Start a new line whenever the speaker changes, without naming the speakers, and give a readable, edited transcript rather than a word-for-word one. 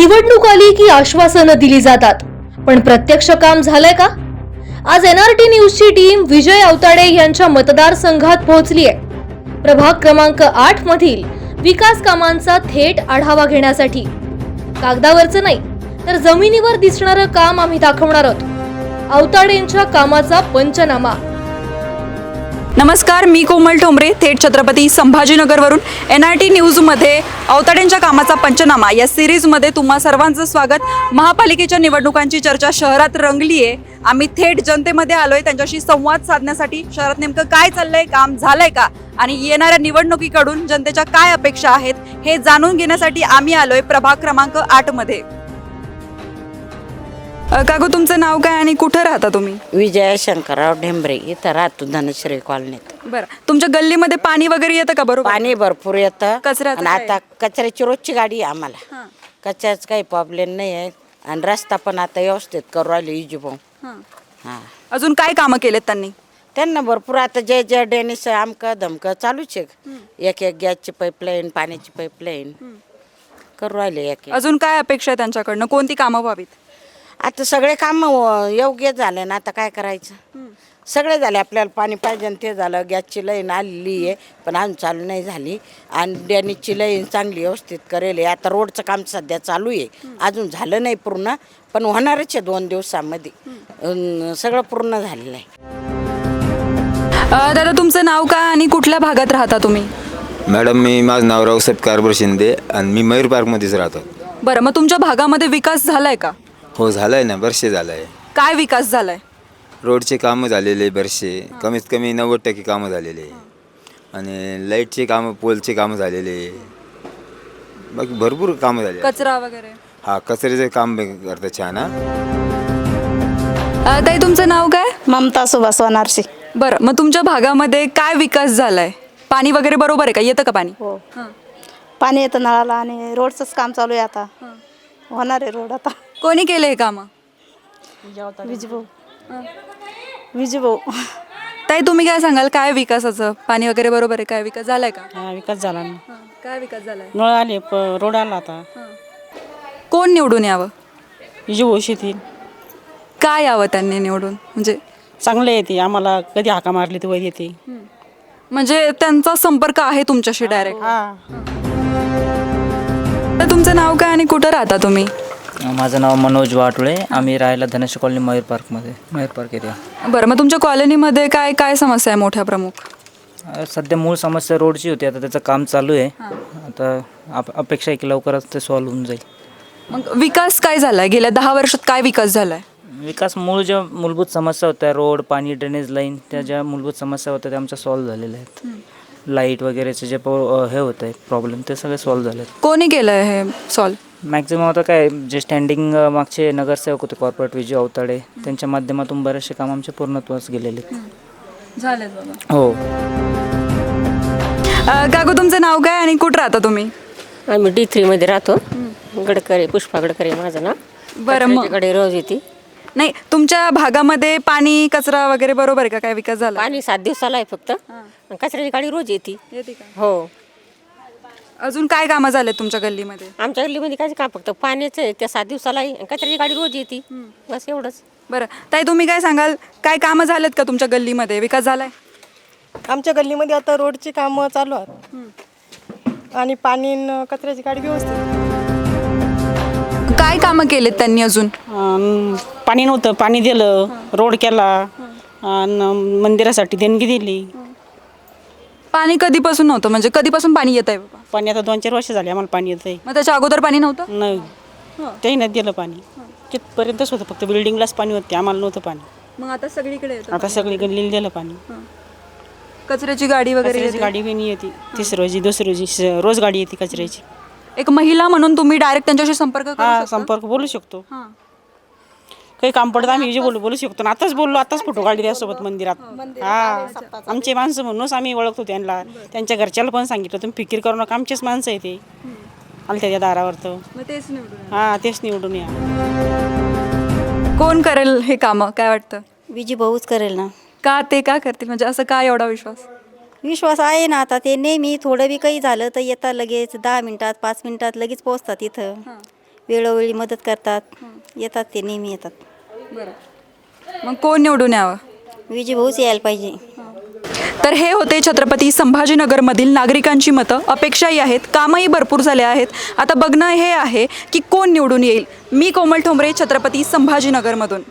निवडणूक आली की आश्वासनं दिली जातात, पण प्रत्यक्ष काम झालंय का? आज एनआरटी न्यूजची टीम विजय अवताडे यांच्या मतदारसंघात पोहोचली आहे. प्रभाग क्रमांक 8 मधील विकास कामांचा थेट आढावा घेण्यासाठी. कागदावरचं नाही तर जमिनीवर दिसणारं काम आम्ही दाखवणार आहोत. अवताडेंच्या कामाचा पंचनामा.
नमस्कार, मी कोमल ठोंबरे थेट छत्रपती संभाजीनगरवरून एनआरटी न्यूजमध्ये अवताडेंच्या कामाचा पंचनामा या सिरीजमध्ये तुम्हा सर्वांचं स्वागत. महापालिकेच्या निवडणुकांची चर्चा शहरात रंगली आहे. आम्ही थेट जनतेमध्ये आलोय त्यांच्याशी संवाद साधण्यासाठी. शहरात नेमकं काय चाललंय, काम झालंय का आणि येणाऱ्या निवडणुकीकडून जनतेच्या काय अपेक्षा आहेत हे जाणून घेण्यासाठी आम्ही आलोय प्रभाग क्रमांक 8 मध्ये. काकू, तुमचं नाव काय आणि कुठं राहता तुम्ही?
विजय शंकरराव ढेंबरे, इथं राहतो धनश्री कॉलनीत.
बरं, तुमच्या गल्लीमध्ये पाणी वगैरे येतं का? बरोबर,
पाणी भरपूर येतं.
कचऱ्याचं
आणि
काय?
आता कचऱ्याची रोजची गाडी आहे आम्हाला. कचऱ्याचं काही प्रॉब्लेम नाही आहे आणि रस्ता पण आता व्यवस्थित करू राहिले इजुभाऊ. हां,
अजून काय कामं केलेत
त्यांना भरपूर आता जे जे डेनिस आमकं धमकं चालूच आहे. एक गॅसची पाईपलाईन, पाण्याची पाईपलाईन करू राहिले.
अजून काय अपेक्षा आहे त्यांच्याकडनं? कोणती कामं व्हावीत?
आता सगळे काम योग्य झाले ना. आता काय करायचं, सगळे झाले. आपल्याला पाणी पाहिजे ते झालं. गॅसची लाईन आलेली आहे पण अजून चालू नाही झाली. आणि डॅनीजची लाईन चांगली व्यवस्थित करेल आहे. आता रोडचं काम सध्या चालू आहे, अजून झालं नाही पूर्ण, पण होणारच आहे 2 दिवसामध्ये. सगळं पूर्ण झालेलं आहे.
दादा, तुमचं नाव काय आणि कुठल्या भागात राहता तुम्ही?
मॅडम, माझं नाव रावसाहेब कारभार शिंदे आणि मी मयूर पार्कमध्येच राहतो.
बरं, मग तुमच्या भागामध्ये विकास झालाय का?
हो, झालं आहे ना, बरेचसे झालं आहे.
काय विकास झालाय?
रोडचे कामं झालेले बरेचसे, कमीत कमी 90% कामं झालेले. आणि लाईटचे कामं, पोलचे कामं झालेले, बाकी भरपूर कामं झाले.
कचरा वगैरे?
हा, कचऱ्याचे काम करतात छान.
ताई, तुमचं नाव काय?
ममता सुभाष वनारसी.
बरं, मग तुमच्या भागामध्ये काय विकास झालाय? पाणी वगैरे बरोबर आहे का? येतं का पाणी?
हो, पाणी येतं नळाला आणि रोडचंच काम चालू आहे. आता होणार आहे रोड. आता
कोणी केलं हे कामं?
विजूभाऊ.
ताई, तुम्ही काय सांगाल, काय विकासाचं? पाणी वगैरे बरोबर आहे? काय विकास झालाय का?
हा, विकास झाला ना.
काय विकास झालाय?
नळ आले, रोड आला. आता
कोण निवडून यावं?
विजूभाऊ शेती
काय यावं त्यांनी निवडून? म्हणजे
चांगले येते आम्हाला. कधी हाका मारली तर वर येते.
म्हणजे त्यांचा संपर्क आहे तुमच्याशी डायरेक्ट?
हा,
तर तुमचं नाव काय आणि कुठं राहता तुम्ही?
माझं नाव मनोज वाटोळे. आम्ही राहायला Dhanesh colony Mayur park area.
बरं, मग तुमच्या कॉलनीमध्ये काय काय समस्या आहे मोठ्या प्रमुख?
सध्या मूळ समस्या रोडची होती, आता त्याचं काम चालू आहे. आता अपेक्षा आहे की लवकरच ते सॉल्व्ह होऊन जाईल.
मग विकास काय झालाय? गेल्या 10 वर्षात काय विकास झालाय?
विकास, ज्या मूलभूत समस्या होत्या, रोड, पाणी, ड्रेनेज लाईन, त्या ज्या मूलभूत समस्या होत्या त्या आमच्या सॉल्व्ह झालेल्या आहेत. लाईट वगैरेचे जे हे होतं आहे प्रॉब्लेम, ते सगळे सॉल्व्ह झाले आहेत.
कोणी केलंय हे सॉल्व्ह?
मॅक्झिमम आता काय, जे स्टँडिंग मागचे नगरसेवक होते कॉर्पोरेट, विजय अवताडे, त्यांच्या माध्यमातून बरेचसे काम आमचे पूर्णत्वास गेलेले आहेत.
झाले बाबा.
हो.
काकू, तुमचं नाव काय आणि कुठं राहता तुम्ही?
आम्ही D3 मध्ये राहतो. गडकरी, पुष्पा गडकरी माझं नाव.
बरं, मग
कडे रोज येते.
नाही, तुमच्या भागामध्ये पाणी, कचरा वगैरे बरोबर आहे का? काय विकास झाला?
पाणी 7 दिवसाला आहे फक्त. कचऱ्याची गाडी रोज येते.
का?
हो.
अजून काय कामं झाले तुमच्या गल्लीमध्ये?
आमच्या गल्लीमध्ये काय काम, फक्त पाण्याचं आहे, त्या 7 दिवसाला आहे. कचऱ्याची गाडी रोज येते, बस एवढंच.
बरं, ताई, तुम्ही काय सांगाल, काय कामं झालेत का तुमच्या गल्लीमध्ये? विकास झालाय?
आमच्या गल्लीमध्ये आता रोडची कामं चालू आहेत आणि पाणी न कचऱ्याची गाडी व्यवस्थित.
काय कामं केलेत त्यांनी अजून?
पाणी नव्हतं, पाणी दिलं, रोड केला आणि मंदिरासाठी देणगी दिली.
पाणी कधीपासून नव्हतं? म्हणजे कधीपासून पाणी येत आहे?
पाणी आता 2-4 वर्ष झाले आम्हाला पाणी येत आहे.
मग त्याच्या अगोदर पाणी नव्हतं?
नाही, तेही नाही दिलं पाणी. तिथपर्यंतच होतं, फक्त बिल्डिंगलाच पाणी होते, आम्हाला नव्हतं पाणी.
मग आता सगळीकडे येतं?
आता सगळी गल्लीला दिलं पाणी.
कचऱ्याची गाडी वगैरे
कचऱ्याची गाडी बी नाही येते. तिसऱ्या रोजी, दुसऱ्या रोजी रोज गाडी येते कचऱ्याची.
एक महिला म्हणून तुम्ही डायरेक्ट त्यांच्याशी संपर्क करू
हा,
शकता?
संपर्क बोलू शकतो. काही काम पडतं आम्ही बोलू शकतो. आताच बोललो, आताच फोटो काढले त्यासोबत मंदिरात. हा, आमचे माणसं म्हणूनच आम्ही ओळखतो त्यांना. त्यांच्या घरच्याला पण सांगितलं, तुम्ही फिकीर करू नका, आमचेच माणसं आहे ते. आले त्याच्या दारावर तर हा, तेच निवडून या.
कोण करेल हे कामं, काय वाटतं?
विजूभाऊच करेल ना.
का ते का करतील? म्हणजे असं काय एवढा विश्वास?
विश्वास आहे ना. आता ते नेहमी थोडं बी काही झालं तर येतात लगेच 10 मिनिटात 5 मिनिटात लगेच पोहोचतात इथं. वेळोवेळी मदत करतात येतात ते नेहमी येतात
मग कोण निवडून यावं?
विजय भाऊच यायला पाहिजे.
तर हे होते छत्रपती संभाजीनगरमधील नागरिकांची मतं. अपेक्षाही आहेत, कामही भरपूर झाले आहेत. आता बघणं हे आहे की कोण निवडून येईल. मी कोमल ठोंबरे, छत्रपती संभाजीनगरमधून.